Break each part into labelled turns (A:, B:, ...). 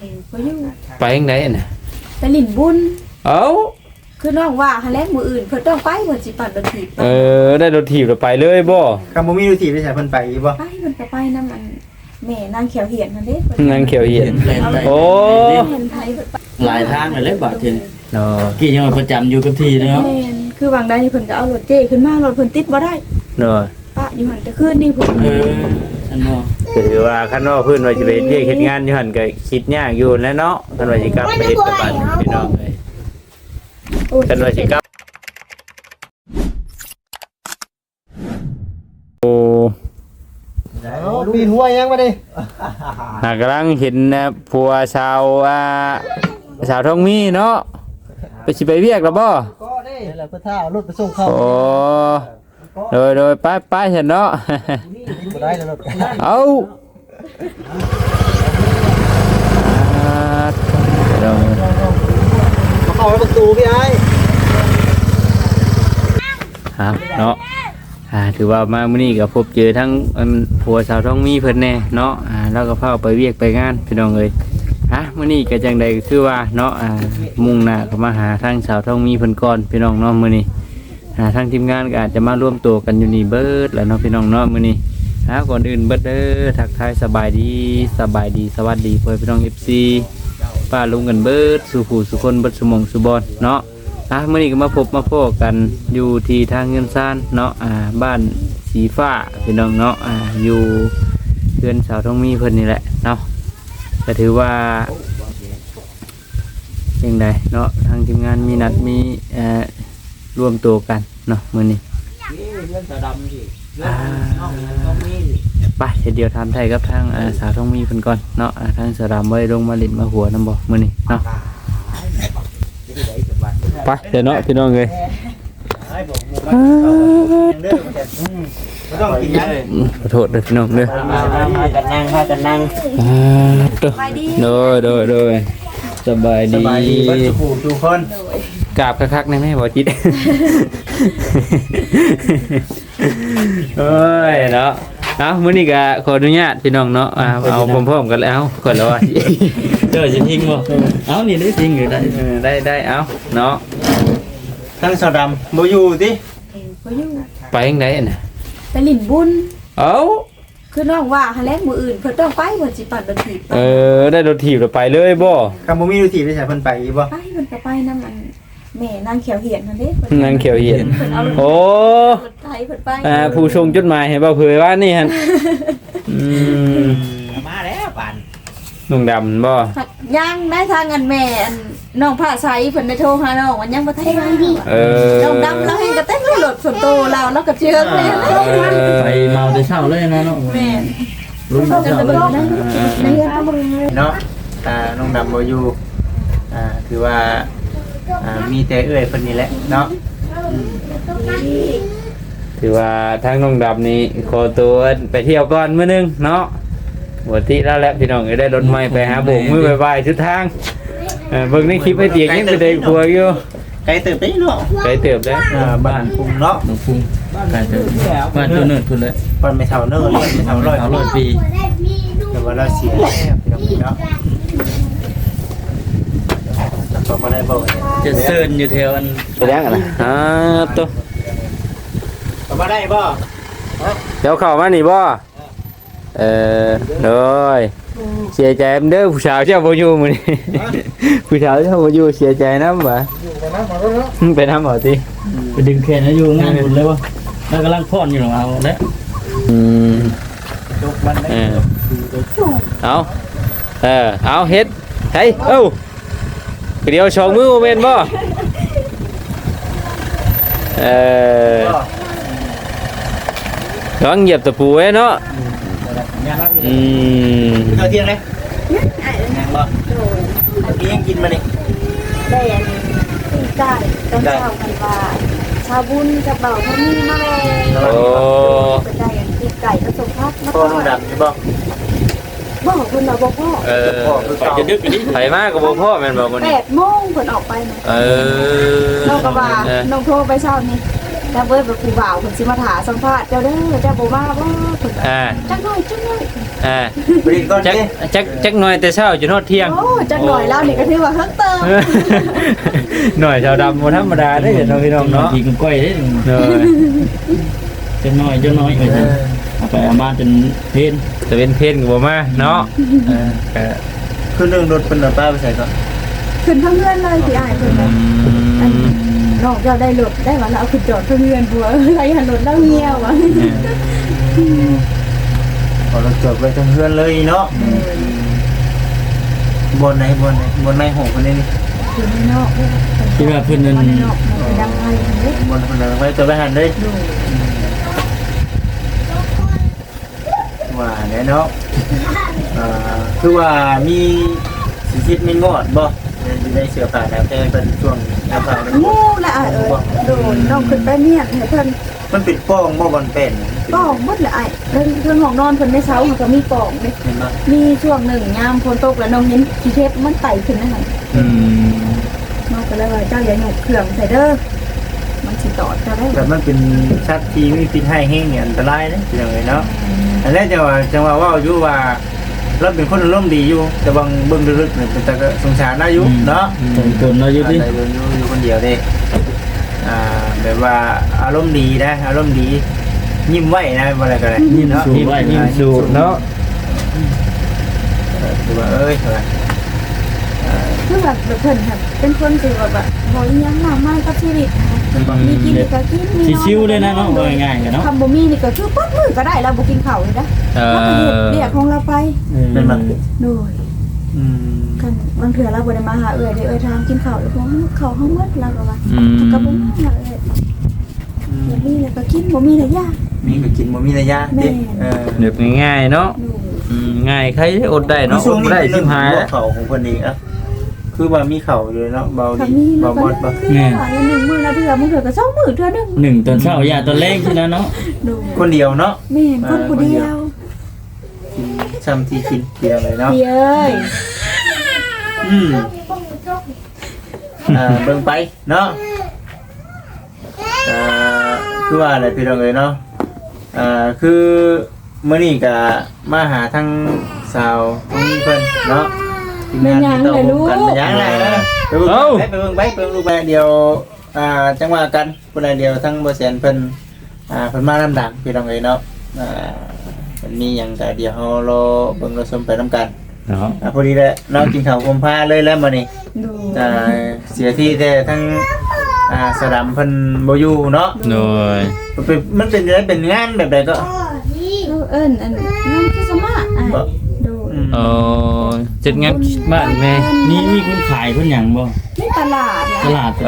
A: บ่อยู่
B: ไปจังได๋น่ะ
A: ไปลิ้นบุญ
B: เอ้า
A: คือน้องว่าหาแลกมื้ออื่นเพิ่นต้องไปเพิ่นสิปั่นรถถีบ
B: ได้รถถีบแล้วไปเลยบ่
C: คำบ่มีรถถีบได้ใช่เพิ่นไปอีบ่
A: ไปเพิ่นก็ไปนำอันแม่นางเขียวเหียนนั่นเด้
B: นางเขียวเหียนโอ้
A: เห็นไผเพิ่นไป
D: หลายทางเลยบาดที
B: เนาะ
D: กี่ยังประจำอยู่กับที่เนาะ
A: แม่นคือบางใดเพิ่นก็เอารถเจ้ขึ้นมารถเพิ่นติดบ่ได้
B: เนาะ
A: ปะอยู่หั่นแต่คืนนี้เพิ่น
D: อันบ่
B: คือว่าคันว่าเพิ่นว่าสิไปเรียกเฮ็ดงานอยู่หั่นก็คิดยากอยู่แล้วเนาะคันว่าสิกลับไปเฮ็ดกับบ้านพี่น้องเอ้ยคันว่าสิกลับโอ้
C: ปีนหัวยังมาดิ
B: กำลังเห็นผัวชาวท้องมีเนาะไปสิไปเวียกแล้วบ่
C: ก็ได้แล้วก็ถ้าเอารถไปส่งเขา
B: โอ้โดยไปเห็นเนาะ
C: บ่ได้แล้วรถ
B: เอา
C: เข้าประตูพี่ไอ้
B: เนาะถือว่ามามื้อนี้ก็พบเจอทั้งผัวสาวท้องมีเพิ่นแน่เนาะแล้วก็พาไปเวียกไปงานพี่น้องเอ้ยมื้อนี้ก็จังใดก็คือว่าเนาะมุ่งหน้าเข้ามาหาทางสาวท้องมีเพิ่นก่อนพี่น้องเนาะมื้อนี้ทางทีมงานก็อาจจะมาร่วมตัวกันอยู่นี่เบิดแล้วเนาะพี่น้องเนาะมื้อนี้ก่อนอื่นเบิดเด้อทักทายสบายดีสวัสดีพ่อพี่น้อง FC ป้าลุงกันเบิดสู่ผู้สู่คนเบิดสุมงสุบอนเนาะมื้อนี้ก็มาพบมาพบกันอยู่ที่ทางเงินซ่านเนาะบ้านสีฟ้าพี่น้องเนาะอยู่เพื่อนสาวท้องมีเพิ่นนี่แหละเนาะก็ถือว่าอย่างไรเนาะทางทีมงานมีนัดมีรวมตัวกันเนาะมื้อนี้ไปเดี๋ยวทำไทยกับทางสาวท้องมีเพิ่นก่อนเนาะทางสาวดำไว้ลงมาลิ้นมาหัวน้ำบ่มื้อนี้เนาะไปเดี๋ยวเนาะพี่น้องเลยขอโทษด้วยพี่น้องเลย
D: พากันนั่ง
B: โดยสบายดี
C: ทุกคน
B: กราบคักๆในแม่บ่จิตเอ้ยเนาะมื้อนี้ก็ขออนุญาตพี่น้องเนาะเอาพร้อมๆกันแล้วก่อนแล้วว่า
D: จะทิ้งบ่นี่ได้ทิ้งอยู่
B: ได้เอาเนาะ
C: ทั้งสาวดำบ่อยู่ติ
A: บ่อยู่
B: ไปจังได๋น่ะ
A: ไปลิ้นบุญ
B: เอ้า
A: คือน้องว่าหาแลกมื้ออื่นเพิ่นต้องไปเพิ่นสิปั่นรถถีบ
B: ได้รถถีบแล้วไปเลยบ่
C: คำบ่มีรถถีบได้ใช่เพิ่นไปอีบ่
A: ไปเพิ่นก็ไปนำอันแม่นางเขียวเหียนนั่นเด้
B: นางเขียวเหียนโอ้
A: ไทยเพิ่นไป
B: ผู้ชงจดหมายให้บ่เผยว่านี่หั่น
D: มาแล้วปาน
B: นุ่งดำบ่
A: ยังได้ทางอันแม่น้องผ้าใสเพิ่นได้โทรหาน้องวันยังบ่ทันมาน้องดำแล้วให้ก็เต้นรถส่วนโตเราก็เชื่อแม่
D: ไปเมาแต่เช้าเลยนะเนาะ
A: แม่
D: ลุงเช้าเลย
C: เนาะน้องดำบ่อยู่คือว่ามีแต่เอื้อยเพิ่นนี่แหละเนาะ
B: ถือว่าทางน้องดำนี่ขอตัวไปเที่ยวก่อนมื้อนึงเนาะวันที่แล้วแหละพี่น้องได้รถใหม่ไปหาโบกมือบ่ายๆชุดทางเบิ่งในคลิปให้เตียงยังไปได้ครัวอยู่
C: ไกลเติบได้เนาะ
B: ไกลเติบได้
C: บ้านพุ่งเนาะ
D: พุ่งไกลเติบบ้านตัวเนิร์ดพุ่นเลย
C: บ้านไม่เท่าเนิร์ดไม่เท่า100
D: ปี
C: แต่ว่าเราเสียแล้วพี่น้องเนาะต่อมาได้บ่
D: จะเซิร์นอยู่แถวอัน
B: ไปยังล่ะตัว
C: ต่อมาได้บ่
B: เดี๋ยวเข้ามานี่บ่เลยเสียใจเด้อผู้สาวเจ้าบ่อยู่มื้อนี้ผู้สาวเจ้าบ่อยู่เสียใจนำบ่ไปนำบ่ติ
D: ไปดึงแขนให้อยู่งานบุญเลยวะแล้วกำลังพอนอยู่หรอเอาแล้ว
B: เอาเฮ็ดเฮ้ยเดี๋ยวชงมือแม่นบ่ระวังเหยียบตะปูไว้เนาะ
C: เที่ยงเลยยังบ่พี่ยังกินมาดิ
A: ได้อันตีไก่ต้องเช้ากันว่าชาวบุญกับเบาเขามีมาแม่เป็นได้อันตีไก่ผสมพัด
C: พ่อน้องดำใช่บ่
A: เพิ่นเราบ่พ่อ
D: จะดึกอันนี้
B: ไผมากกับบ่พ่อแม่นบ่มื้อนี้
A: 8 โมงเพิ่นออกไปนะน้องก็ว่าน้องโทรไปเช้านี้แล้วเบิดแบบผู้บ่าวเพิ่นสิมาถามสัมภาษณ์เจ้าเด้อเจ้าบ่มาบ่เพิ่นจักหน่อย
C: บริก่อน
B: จัก
C: เด้
B: จักหน่อยแต่เช้าจนฮอดเที่ยง
A: โอ้จักหน่อยแล้วนี่ก็ถือว่าเฮิงเติม
B: หน่อยชาวดำบ่ธรรมดาเด้อน้องพี่น้องเนาะ
D: ทีกันก้อยเด้
B: เด้อ
D: จะน้อยเอาไปเอามาจนเพน
B: จะเป็นเพนก็บ่มาเนาะก็
C: คือเรื่องรถเพิ่นเอาป้าไปใส่ก่อน
A: ขึ้นทั้งเรือนเลยพี่อ้ายเพิ่นว่าอันนอกจากได้รถได้ว่าแล้วเอาขึ้นจอดทั้งเรือนผัวไรหันรถแล้วเงียวอ่ะ
C: พอเราจดไว้ทั้งเพื่อนเลยเนาะบนไหนหงคนนี้นี่
A: อยู่ในนอก
D: คิดว่าเพิ่นนั่น
A: ในนอกมันดังไงเด้
C: บนคนไหนไว้ตัวไปหันเลย
A: ดู
C: ว่าแน่เนาะคือว่ามีสิคิดไม่งอดบ่อยู่ในเสื้อผ้าแล้วแต่เป็นช่วงเสื้อผ้า
A: งูละอ้ายเอ้ยโดนน้องขึ้นไปเนี่ยให้เพิ่น
C: มันปิดป้องบ่บอลเป็น
A: ปองหมดละอ้ายเพิ่นห้องนอนเพิ่นในเช้ามันก็มีปองเด้
C: เห็นบ่
A: มีช่วงหนึ่งยามฝนตกแล้วน้องเห็นขี้เทปมันไต่ขึ้นนั่นน่ะน้องก็เลยว่าเจ้าอย่าหยกเครื่องใส่เด้อมันสิตอดเจ้าได้
C: แต่มันเป็นชัดที่มีพิษให้แห้งเนี่ยอันตรายนะอย่างไรเนาะอันแรกจังว่าว่าอยู่ว่าเราเป็นคนอารมณ์ดีอยู่แต่บางเบิ่งลึกๆเนี่ยเป็นตาสงสารน่าอยู่เนาะ
D: ตนเราอยู่ดิ
C: อยู่คนเดียวเด้แบบว่าอารมณ์ดีนะอารมณ์ดียิ้มไว้นะอะไรก็ได้เนาะ
B: ยิ้มสูบเนาะ
C: คือว่าเอ้ย
A: คือแบบเพิ่นแบบเป็นคนที่แบบบ่อีหยังมากมายกับชีวิตมีกินก็กินมี
D: ชิวๆเลยนะเนาะว่าง่ายๆกันเนาะ
A: ทำบ่มีนี่ก็คือปั๊บมือก็ได้แล้วบ่กินข้าวนี่นะแล้วก็เฮ็ดเรียกของเราไป
C: เป็นมัน
A: โดยกันบางเทื่อเราบ่ได้มาหาเอื้อยเด้อเอื้อยถามกินข้าวหรือบ่ข้าวเฮาหมดแล้วก็ว่าก็บ่มาหาเอื้อยบ่มีแล้วก็กินบ่มีแล้วยา
C: มีก็กินบ่มีระยะเด็ก
B: เด็กง่ายๆเนาะง่ายใครอดได้เนาะอดได้ชิมหาย
C: เข่าของคนนี้อ่ะคือว่ามีเข่าอยู่เนาะเบา
A: ก็
C: ดี
A: มี
C: เบาบดบ่
A: แม่1มื้อละเทื่อมื้อเทื่อก็2มื้อเทื่อนึง
D: หนึ่งตอนเช้ายาตอนแรกที่แล้วเนาะ
A: โดย
C: คนเดียวเนาะ
A: แม่นคนผู้เดียว
C: กินซ้ำที่กินเดียวเลยเนาะ
A: เอ้ย
C: เบิ่งไปเนาะคือว่าอะไรพี่น้องเอ้ยเนาะคือมื้อนี้ก็มาหาทางสาวตรงนี้เพิ่นเนาะทีมงานที่ต้องกันมายังไงไปเบิ่งลูกไปเดียวจังหวะกันคนละเดียวทั้งบ่แสนเพิ่นเพิ่นมาลำดับพี่น้องเอ้ยเนาะมันมีหยังก็เดี๋ยวเฮารอเบิ่งรอชมไปนํกัน
B: เนาะ
C: พอดีแหละน้องกินข้าวอมผ้าเลยแล้วมื้อนี้
A: ดู
C: เสียที่แต่ทั้งสลัมเพิ่นบ่อยู่เนาะ
B: โดย
C: มันเป็นอะไรเป็นงานแบบใดก็
A: เอิ้นอันนั่นคือสมาดู
B: โอ้จัดงานบ้านแม่
D: มีคนขายคนหยังบ่
A: นี่ตลาดนะ
D: ตลาด
B: เอ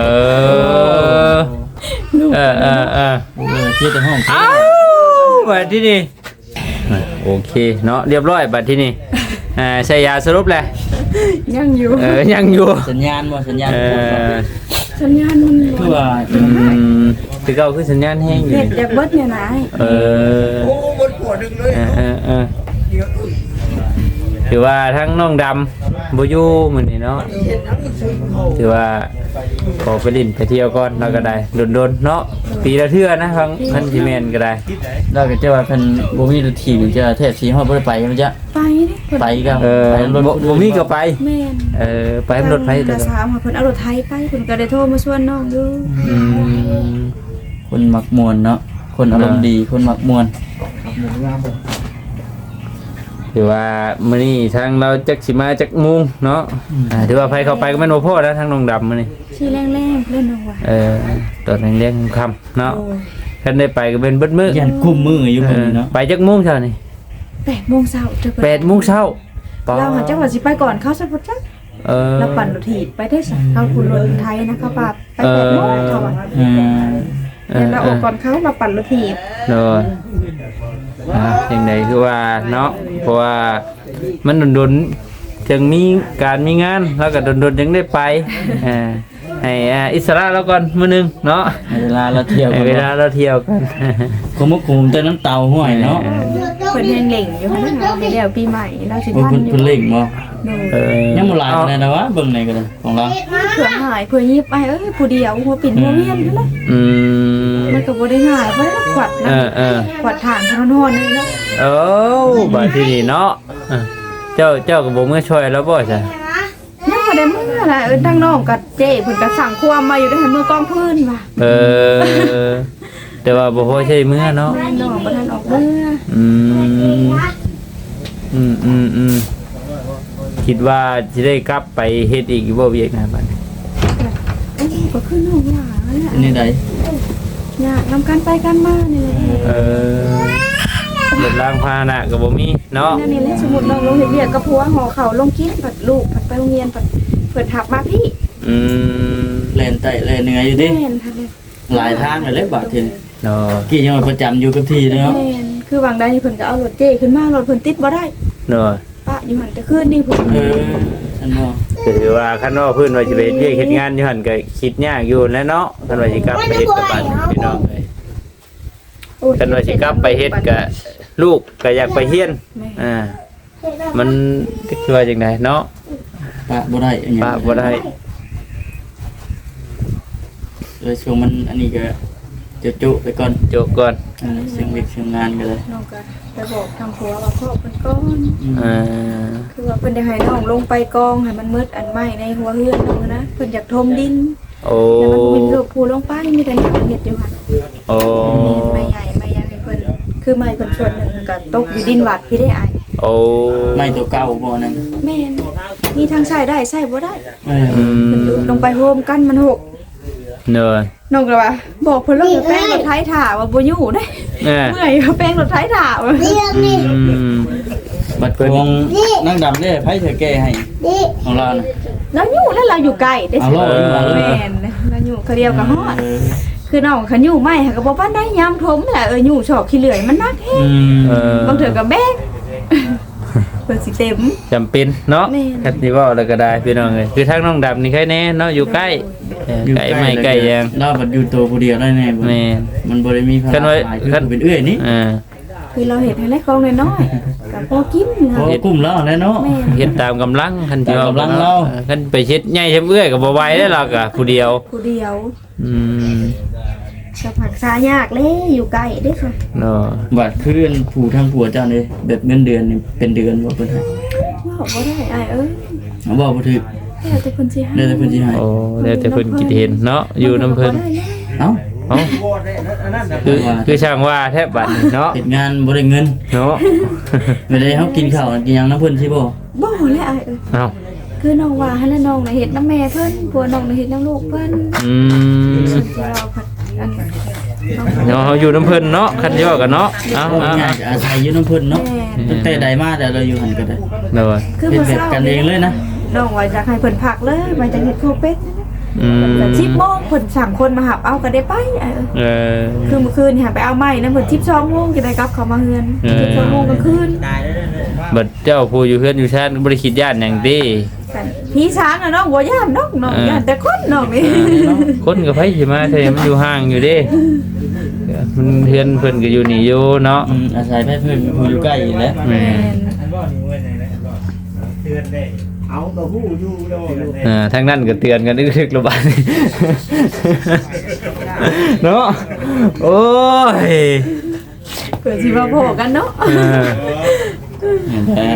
B: อ
D: เที่ยวแต่ห้อง
B: อ้าวบัดที่นี่โอเคเนาะเรียบร้อยบัดที่นี่ใช้ยาสรุปแหละ
A: ยังอยู่
B: ยังอยู่
D: สัญญาณบ่สัญญาณ
A: สัญญาณมัน
D: คือว่า
B: คือเก่าคือสัญญาณแห้งอยู่
A: เน็ตอยากเบิดเนี่ยนะ
C: โอ้บนหัวนึงเลย
B: ถือว่าทั้งน้องดำบูยูมือนี่เนาะถือว่าขอไปลินไปเที่ยวก่อนแล้วก็ได้โดนๆเนาะปีละเทื่อนะครั้งพันธิเมนก็ได้
D: เราก็จะว่าเพิ่นบ่มีรถถีบจะแท้สีฮอดบ่ได้ไปมันจะ
A: ไปดิ
D: ไปก็
B: ไปรถบ่มีก็ไป
A: แม่น
B: ไปรถไฟแต่
A: สามค่ะเพิ่นเอารถไทยไปเพิ่นก็ได้โทรมาชวนน้องอยู่
D: คนมักมวนเนาะคนอารมณ์ดีคนมักมวน
B: ถือว่ามื้อนี้ทางเราจักสิมาจักมุงเนาะถือว่าไผเข้าไปก็แม่นบ่พอนะทางน้องดำมื้อนี้
A: ชื่อแรงๆเล่นน้องว่า
B: ตอนแรงๆค่ำเนาะคันได้ไปก็เป็นเบิดมื้อ
D: ยันกุมมืออยู่มื้อนี้เนาะ
B: ไปจักมุงเช้านี่
A: 8:00 นเจ้า
B: 8:00 น
A: เราหาจังหวัดสิไปก่อนเขาซะพุ่นจักเราปั่นรถถีบไปได้สักเขาคุณรถไทยนะคะป้าไป8:00 นเขาว่าเราออกก่อนเขาเราปั่นรถถีบ
B: โดยอย่างใดคือว่าเนาะเพราะว่ามันโดนๆจึงมีการมีงานแล้วก็โดนๆจึงได้ไปให้อิสระแล้วก่อนมื้อนึงเนาะ
D: เวลาเราเที่ยว
B: เวลาเราเที่ยวกัน
D: คุมคุมแต่น้ำเตาห้วยเนาะ
A: เพิ่นยังเหล่งอยู่ค่ะนะคะเดี๋ยวปีใหม่เราสิ
D: เพิ่
A: ทันอยู่
D: นเล่งบ่
B: ยัง
D: บ่หลายขนาดนั้นวะเบิ่งไหนก็ได้ของเรา
A: เผื่อหายเผื่อยิบไปผู้เดียวหัวปิ่นหัวเวียนนั่นแหละมันก็บ่ได้ง่ายเพราะขวัดนะขวัดฐานทนอนนี่เนาะ
B: โอ้บาดที่นี่เนาะเจ้าก็บ่มื้อช่วยแล้วบ่จ้ะ
A: ยังบ่ได้มื้อน่ะทางน้องกับเจ้เพิ่นก็สั่งความมาอยู่ได้ให้มือกองพื้นว่ะ
B: แต่ว่าบ่พอใช้มื้อเนาะ
A: น้องบ่ทันออกมื้อ
B: คิดว่าสิได้กลับไปเฮ็ดอีกบ่เวียกนะบัดนี้
A: ก็คือน้องหลานแหละ
D: นี่ใด
A: อยากนำกันไปกันมานี่แหละ
B: รถล้างพาหนะก็บ่มีเนาะ
A: นั่นนี่แหละสมมุติน้องลงเฮ็ดเวียกกับผัวห่อข้าวลงกินปัดลูกปัดไปโรงเรียนปัดเพิ่นทับมาพี่
D: แล่นไต่แล่นเหนื่อยอยู่ดิ
A: แม่นค่ะเลย
D: หลายทางเลยบาดที
B: เนาะ
D: กี่ยังประจำอยู่กับที่เนาะ
A: แม่นคือบางได้เพิ่นก็เอารถเจ้ขึ้นมารถเพิ่นติดบ่ได้
B: เนาะ
A: ปะอยู่หั่นแต่คืนนี่เพิ่น
D: ฉันบ่
B: ก็ถือว่าคันว่าเพิ่นว่าสิไปเฮ็ดเวียกเฮ็ดงานอยู่หั่นก็คิดยากอยู่แหล้วเนาะคันว่าสิกลับไปเฮ็ดกับบ้านพี่น้องเอ้ยคันว่าสิกลับไปเฮ็ดก็ลูกก็อยากไปเรียนมันคือว่าจังไดเนาะ
D: ปะบ่ได้อันนี้
B: ปะบ่ได้
D: เลยช่วงมันอันนี้ก็จุไปก่อน
B: โจกก่อน
D: เสียงเล็กเสียงงานกันเลย
A: น้องก็ไปบอกทางผัวว่าพ่อเพิ่นก่อน คือว่าเพิ่นได้ให้น้องลงไปกองให้มันมืดอันใหม่ในหัวเฮือนน้องนะเพิ่นอยากถมดิน
B: โอ้
A: แต่มันมีลูกผู้ลงไปมีแต่หนังเฮ็ดอยู่หั่น
B: โอ้
A: ไม่ใหญ่ไม่ยังให้เพิ่นคือไม้เพิ่นส่วนหนึงก็ตกอยู่ดินวัดพี่ได้อาย
B: โอ้
D: ไม่ตัวเก่าบ่นั่น
A: แม่นมีทางใช้ได้ใช้บ่ได้
D: เออ
A: เพิ่นลงไปโฮมกันมันหก
B: เนอะ
A: น้องก็ว่าบอกเพิ่นแล้วแป้งรถไถถ่าว่าบ่อยู่เด้
B: เออ
A: เมื่อยว่าแป้งรถไถถ่าว่า
D: บัดทวงนั่งดำได้ไผเธอแก้ให้ของเราน่ะ
A: แล้วอยู่แล้วเราอยู่ไกลได้
D: เอา
A: สิ
D: ล่ออยู่มาเลย
A: แม่นแล้วอยู่เขาเดียวก็ฮอด คือน้องคันอยู่ไม่ค่ะก็บอกว่าได้ยามทมแหละอยู่ชอบขี้เหลื่อยมันนักแฮงบางเถื่อก็แบกเพิ่นสิเต็ม
B: จำเป็นเนาะ
A: แม่น
B: คันสิเว้าแล้วก็ได้พี่น้องเอ้ยคือทางน้องดำนี่ใครแน่เนาะอยู่ใกล้ใกล้ไม่ใกล้ยัง
D: เราบัดอยู่ตัวผู้เดียวได้แน่บ่
B: แม่น
D: มันบ่ได้มีภา
B: คัน
D: ระ
B: ว่า
D: หลายคือเป็นเอื้อยนี่
A: คือเราเห็นให้เล็กกองน้อยๆกับพอกิน
D: โอ้
A: ค่ะ
D: กุ้มแล้วแน่เนาะ
A: แม่น
B: เฮ็ดตามกำลังคันสิ
D: ตามกำลังเรา
B: คันไปเฮ็ดใหญ่เฮ็ดเอื้อยก็บ่ไหวได้หรอกอ่ะผู้เดียว
A: ผู้เดียว
B: อืม
A: จะผักษายากเลยอยู่ไกลเด้อค่ะ
B: เนาะ
D: บัดคือผู้ทางผัวเจ้านี่แบบเงินเดือนนี่เป็นเดือนบ่เพิ่นให้
A: ว่าบ่ได้อ้ายเอ้ย
D: เอาบ่บ่ถึก
A: แล้วแต่เพิ่นสิให้
D: ได้แต่เพิ่นสิให้
B: โอ้แล้วแต่เพิ่นคิดเห็นเนาะอยู่นํเพิ่น
D: เอ้า
B: เอ้าคือช่างว่าแทบบัดนี่เนาะ
D: เฮ็ดงานบ่ได้เงิน
B: เนาะ
D: ไม่ได้เฮากินข้าวกินหยังนำเพิ่นสิบ่
A: บ่แล้วอ้ายเอ้ย
B: เอ้า
A: คือน้องว่าให้แล้วน้องน่ะเฮ็ดน้ำแม่เพิ่นผัวน้องน่ะเฮ็ดน้ำลูกเพิ่น
B: อืม
A: เราผัดอัน
B: เนาะอยู่น้ำเพิ่นเนาะคันย่อกันเนาะเอ้า
D: เอา
B: เอ้า
D: ง่ายๆอาศัยอยู่นำเพิ่นเนาะ
A: แม่
D: ตั้งแต่ใดมาแต่เราอยู่หั่นก็ได้
B: เนาะ
A: คือ
D: เป็น
A: มื้อ
D: แบบ
A: เช้า
D: กันเองเลยนะ
A: น้องว่าอยากให้เพิ่นพักเลยว่าจะเฮ็ดโคเป็ด
B: อืม
A: แต่10:00 นเพิ่นสั่งคนมาหับเอาก็ได้ไปเออคือเมื่อคืนหาไปเอาไม้นะเพิ่น12:00 นจะได้กลับเข้ามาเฮือน12:00 นกลางคืน
B: บัดเจ้าผู้อยู่เฮือนอยู่ชาติบ่ได้คิดย่านหยังติ
A: กันพี่ช้างน่ะน้องบ่ย่านน้องย่านแต่คนน้องนี่
B: คนก็ไผสิมาแต่มันอยู่ห่างอยู่เด้มันเฮือนเพิ่นก็อยู่นี่อยู่เนาะ
D: อาศัยไปเพิ่นผู้อยู่ใกล้อยู่แล้ว
B: แม่
C: เอาตัวผู้อยู่โดน
B: ทางนั้นก็เตือนกันนึกๆระบาดนี่เนาะโอ้ย
A: เพิ่นสิมาโผกันเนาะ
D: แต่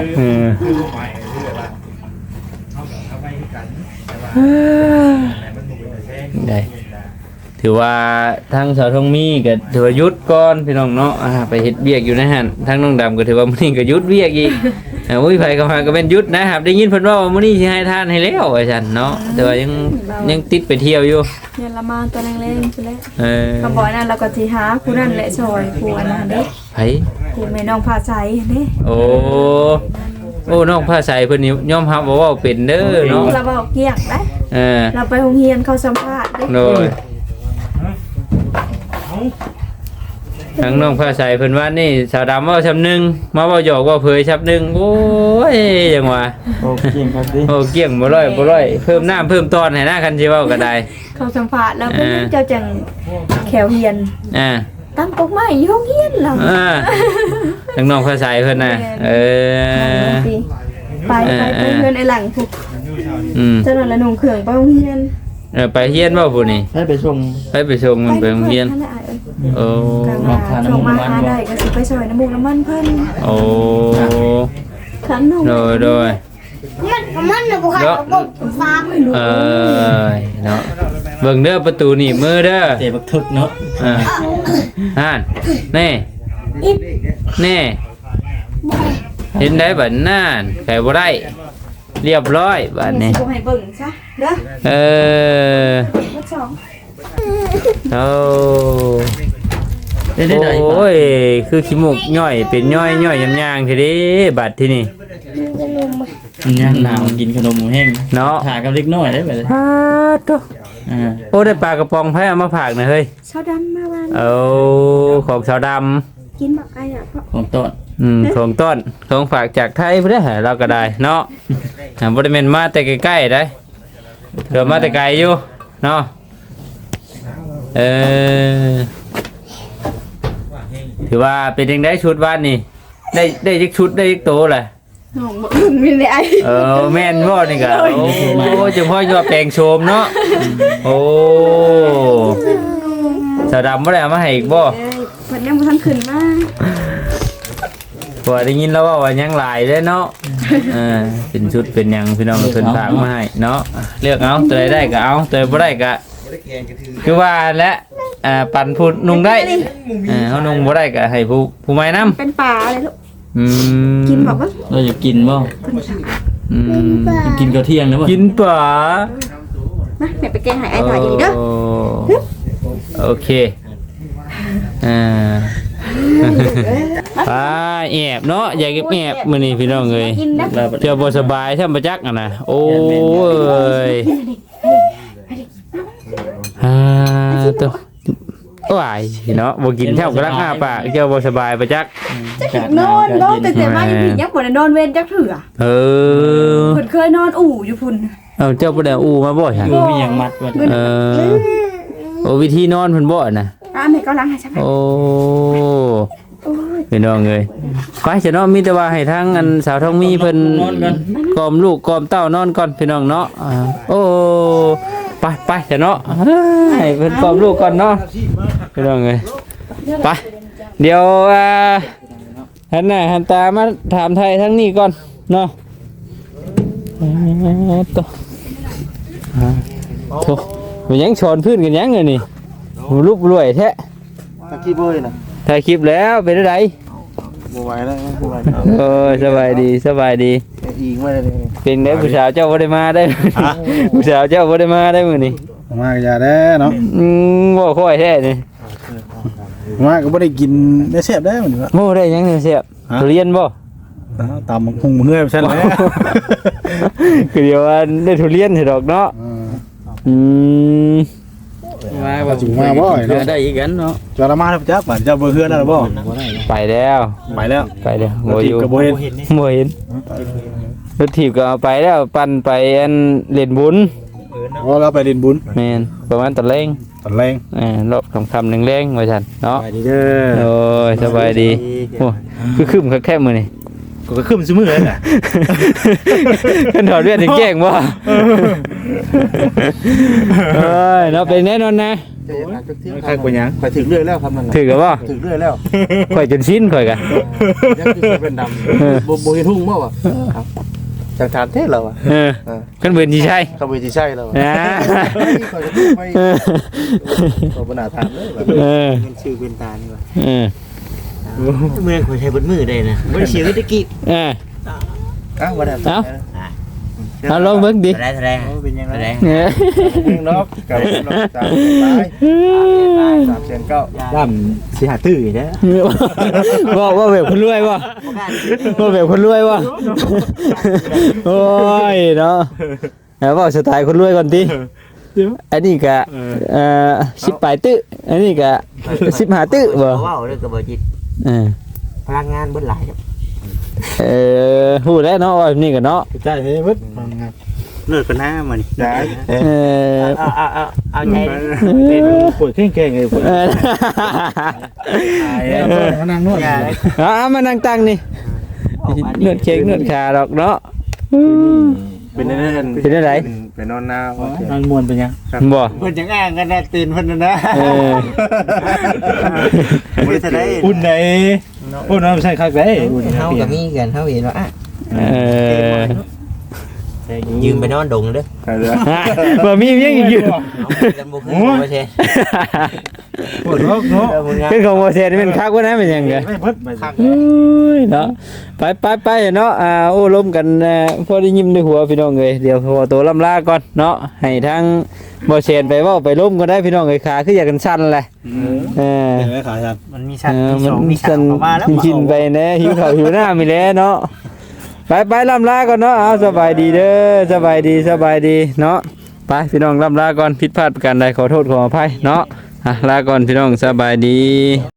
B: ได้ถือว่าทางสาวทองมีก็ถือว่าหยุดก่อนพี่น้องเนาะไปเฮ็ดเวียกอยู่นะฮะทางน้องดำก็ถือว่ามื้อนี้ก็หยุดเวียกอีกอุ้ยไผก็มาก็เป็นหยุดนะครับได้ยินเพิ่นว่ามื้อนี้สิให้ทานให้แล้วว่าซั่นเนาะแต่ว่ายังติดไปเที่ยวอยู่
A: เนี่ยละมาตัวแรงๆซุแล
B: เ
A: ก็บ่นั่นเราก็สิหาผู้นั้นแหละซอยผู้อันนั้นเด้
B: ไผ
A: ผู้แม่น้องพาใจเด้
B: โอ้น้องผ้าใสเพิ่นนี่ยอมรับว่าเป็นเด้อเนาะ
A: เราเว้าเกี้ยงได้
B: อ
A: เราไปโรงเรียนเขาสัมภาษณ์เด้
B: โดยทางน้องผ้าใสเพิ่นว่านี่สาวดำเว้าชำนึงมาเว้าหยอกเว้าเผยชำนึงโอ้ยจังว่า
D: โอ้จริงครับดิ
B: โอ้เกี่ยงบ่ร้อยเพิ่มน้ำเพิ่มตอนให้นะคันสิเว้าก็ได้
A: เขาสัมภาษณ์แล้วเพิ่นเจ้าจังแขวเฮียน
B: อ่า
A: ตั้งกกไม้อยู่โรงเรียนเรา
B: ทางน้องผ้าใสเพิ่นน่ะ
A: ไปเพื่อนไอ้หลังผูก
B: อืม
A: เจ้าหน่อยละหนุ่มเขื่องไปโรงเรียน
B: ไปเฮียนบ่ผู้นี่
D: ให้ไปส่ง
B: ไปส่งมันไปโรงเรียน
A: นั่นแหละ
B: โอ้
A: ก็ว่าช่วงมาหาได้ก็สิไปซอยน้ำมูกน้ำมันเพิ่น
B: โอ้
A: ขันน้อง
B: โดย
E: มันน่ะบ่ค่ะบ่ฟ้าไม่รู้
B: เนาะเบิ่งเด้อประตูหนีบมือเด้อ
D: เตะบักทึกเนาะ
B: อ่านแน่แน่เห็นได้บัดนั่นไข่บ่ได้เรียบร้อยบัดนี้
A: สิบ่ให้เบิ่งซะเด้อ วัดสอง
B: โอ้
D: ได้ได้
B: โอ้ยคือขี้มูกย่อยเป็นย่อยยางๆทีนี้บัดที่นี่
D: ย่างหนาวกินขนมแห้ง
B: เนาะ
D: ถ่ากับเล็กน้อยได้ไปเลย
B: ฮาตุ๊ โอ้ได้ปลากระป๋องไผเอามาฝากหน่อยเฮ้ย
A: ชาวดำมาวัน
B: เอาของชาวด
A: กินบักไอ้อ่ะเพราะ
D: ของต้น
B: ำของต้นของฝากจากไทยเพื่อให้เราก็ได้เนาะบริเวณมาแต่ใกล้ๆได้เดี๋ยวมาแต่ไกลอยู่เนาะถือว่าเป็นยังได้ชุดบ้านนี่ได้ยิกชุดได้ยิกโตแหละ
A: น้องบ่อึ้งมีได้
B: แม่นบ่นี่ก็โอ้จังพ่อยอดแปลงโฉมเนาะโอ้สาวดำบ่ได้เอามาให้อีกบ่
A: เพิ่นยังบ่ทันขึ้นมา
B: พอได้ยินแล้วว่ายังหลายเลยเนาะเป็นชุดเป็นหยังพี่น้องเพิ่นฝากมาให้เนาะเลือกเอาตัวใดได้ก็เอาตัวบ่ได้ก็คือว่าและปั่นผู้นุ่งได้เฮานุ่งบ่ได้ก็ให้ผู้ใหม่นำ
A: เป็นป่าอะไรลูกกินบอกว่า
D: เราจะกินบ่
A: เพิ่นสั่ง
D: กินข้าวเที่ยงนะบ่
B: กินป่า
A: มาแม่ไปแกงให้ไอ้ถ่ายอีกเด้อ
B: โอเคป้าแอบเนาะอยากแอบมื้อนี้พี่น้องเอ้ย
A: กินนะ
B: เที่ยวบ่สบายแท้บ่จักอ่ะนะโอ้ยตัวว้ายเนาะบ่กินแท้กำลังอ้าปากเที่ยวบ่สบายบ่จัก
A: นอนแต่มาอยู่พี่ยักบ่ได้นอนเว้นจักเถื่อ
B: เ
A: เพิ่นเคยนอนอู่อยู่พุ่น
B: เจ้าบ่ได้อู้มาบ่ซั่น
D: อยู่มีหยังมัดไว้
B: โอ้วิธีนอนเพิ่นบ่น่ะ
A: แม่ก็ล้างให้ใช่ไหม
B: โอ้พี่น้องเอ้ยไปจะเนาะมีแต่ว่าให้ทางอันสาวทองมีเพิ่นกอมลูกกอมเต้านอนก่อนพี่น้องเนาะโอ้ไปจะเนาะให้เพิ่นกอมลูกก่อนเนาะพี่น้องเอ้ยไปเดี๋ยวหันหน้าหันตามาถามไทยทั้งนี้ก่อนเนาะตัวโธ่มันยังชอนพื้นกันยังเลยนี่รูปรวยแท้
C: ตะกี้เบยน่ะ
B: ถ่ายคลิปแล้วเป็นอะไร
C: บ่ไหวแล้วบ่ไหว
B: สบายดี
C: อีกมาเลย
B: เป็นได้ผู้สาวเจ้าบ่ได้มาได้ผู้สาวเจ้าบ่ได้มาได้มื้อนี้
C: มาก็อย่าได้เนาะ
B: บ่ค่อยแท้นี่
C: มาก็บ่ได้กินได้แซ่บได้มันว่า
B: โอ้ได้ยังเสียบทุเรียนบ่
C: ตามคงเมื่อยซั่นแหละ
B: คือเดี๋ยวว่าได้ทุเรียนให้ดอกเนาะมาบ่
C: จุงมาบ่เนาะ
B: ได้อีกกันเนาะ
C: จอละมาครับจักบาดเจ้าบ่เฮือนแล้วบ่
B: ไปแล้ว
C: ไปแล้ว
B: บ่อยู่
C: ก็บ่เห็น
B: บ่เห็นรถถีบก็เอาไปแล้วปั่นไปอันเล่นบุญ
C: พอเราไปเรียนบุญ
B: แม่นประมาณตอนแรง
C: ตอนแรง
B: รอบคำๆแรงๆว่าซั่นเนาะ
C: ไปดีเด้อ
B: โอ้ยสบายดีโอ้ยคือคึมคักแค่มื้อนี่
C: ก็ขึ้นซุมื้อเลยน่ะ
B: ขึ้นถอดเลือดถึงแจ้งบ่เอ้ยเนาะเป็นแน่นอนนะ
C: ใครกว่าหยังไปถึงเรื่อยแล้วครับนั่น
B: ถือกับบ่
C: ถึงเรื่อยแล้ว
B: ข่อยจนสิ้นข่อยกะ
C: ยังคือเป็นดำบ่เห็นทุ่งบ่วะจังถามเทศเราอ่ะ
B: กันเบิ่นสิใช่
C: เขาบ่สิใช่เรา
B: นะ
C: เขาบ่น่าถามเลยแบบ
F: มันชื่อเป็นตานี่วะ
B: เออ
F: เมื่อคนใช้บนมือได้นะบนเสียงตะกี้
C: อ้าวบ่ได้
B: เอาลองเบิ่งดิ
F: แสดงเป็นยังไง
C: เนาะกับน้องตาตาย3,900
F: ย่ำสิหาตื้อนะ
B: ว่าแบบคนรวยบ่ว่าแบบคนรวยบ่โอ้ยเนาะแล้วว่าสไตล์คนรวยก่อนติอันนี้ก็10ปลายตึอันนี้ก็15ตึบ่
F: ว้าวเรื่องกระบอกจิตพลังงานบนหลาย
B: ฮู้แล้วเนาะว่าแบบนี้ก็เนาะ
C: ใช่เฮ้ยมึด
F: เลิกกันหน้ามัน
C: ได้
F: เอาใจ
C: เป็นปวดแข้งๆไงปวดมานั่งนวด
B: มานั่งตั้งนี่นวดเค้กนวดขาดอกเนาะ
C: เป็นเรื่อง
B: เป็นได้ไหน
C: เป็นนอนหน้า
D: นอนมวนเป็นยัง
B: บ่
F: เพิ่นจังอ้างกันนะตื่นเพิ่นนะ
B: เออ
F: บ่ได้ได้
D: อุ่นไหนอุ่นน้ำใส่คักได้อุ่น
F: เฮาก็มีกันเฮาเห็นว่า
B: เออ
F: ยืมไปนอนดงเด้อ
B: บ่มีเพียงอีกอยู่
F: กันบ่คือบ่ใช่
D: ปวดร้องเนาะ
B: เป็นของบ่เสร็จเป็นคักว่านะเป็นหยังไง
D: ไม่เพิ่นไป
B: เนาะไปเนาะโอ้ล้มกันพอได้ยิ้มในหัวพี่น้องเอ้ยเดี๋ยวพอตัวล่ำลาก่อนเนาะให้ทางบ่เสร็จไปเว้าไปล้มก็ได้พี่น้องเอ้ยขาคืออยากกันสั่นแหละเออ
D: เห็นไหมขาครับ
F: มันมีชั้นมี2มี
B: สั่น
F: 3มาแล้ว
B: ชินไปแน่หิวข้าวหิวน้ำมีแล้วเนาะไปล่ำลาก่อนเนาะเอาสบายดีเด้อสบายดีเนาะไปพี่น้องล่ำลาก่อนผิดพลาดประการใดขอโทษขออภัยเนาะลาก่อนพี่น้องสบายดี